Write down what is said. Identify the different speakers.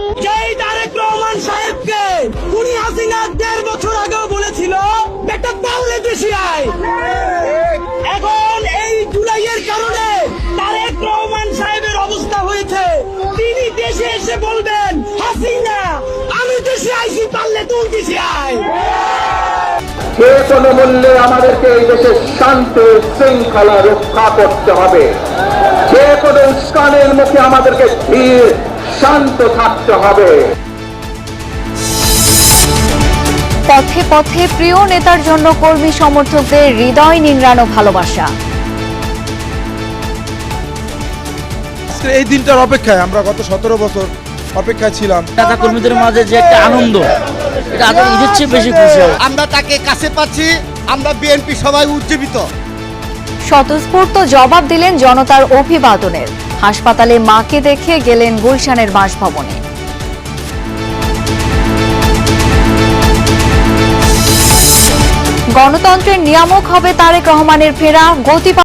Speaker 1: যেই তারেক রহমান সাহেবকে খুনি হাসিনা ১.৫ বছর আগেও বলেছিল একটা পাল্লে দেশে আয়, এখন এই জুলাইয়ের কারণে তারেক রহমান সাহেবের অবস্থা হয়েছে তিনি দেশে এসে বলবেন হাসিনা আমি দেশে আইছি পারলে তুই দেশে আয়।
Speaker 2: যে কোনো মূল্যে আমাদেরকে এই দেশের শান্তি শৃঙ্খলা রক্ষা করতে হবে। যে কোনো উস্কানের মুখে আমাদেরকে ধীর শান্ত থাকতে হবে।
Speaker 3: পথে পথে প্রিয় নেতার জন্য কর্মী সমর্থকদের হৃদয় নিংড়ানো ভালোবাসা।
Speaker 4: এই দিনটার অপেক্ষায় আমরা গত 17 বছর অপেক্ষায় ছিলাম।
Speaker 5: নেতা কর্মীদের মাঝে যে একটা আনন্দ, এটা ঈদের চেয়ে বেশি খুশি।
Speaker 6: আমরা তাকে কাছে পাচ্ছি, আমরা বিএনপি সবাই উজ্জীবিত।
Speaker 3: স্বতঃস্ফূর্ত জবাব দিলেন জনতার অভিবাদনের। হাসপাতালে মাকে দেখে গেলেন গুলশানের বাসভবনে। গণতন্ত্রের নিয়ামক হবে তারেক রহমানের ফেরা। গতি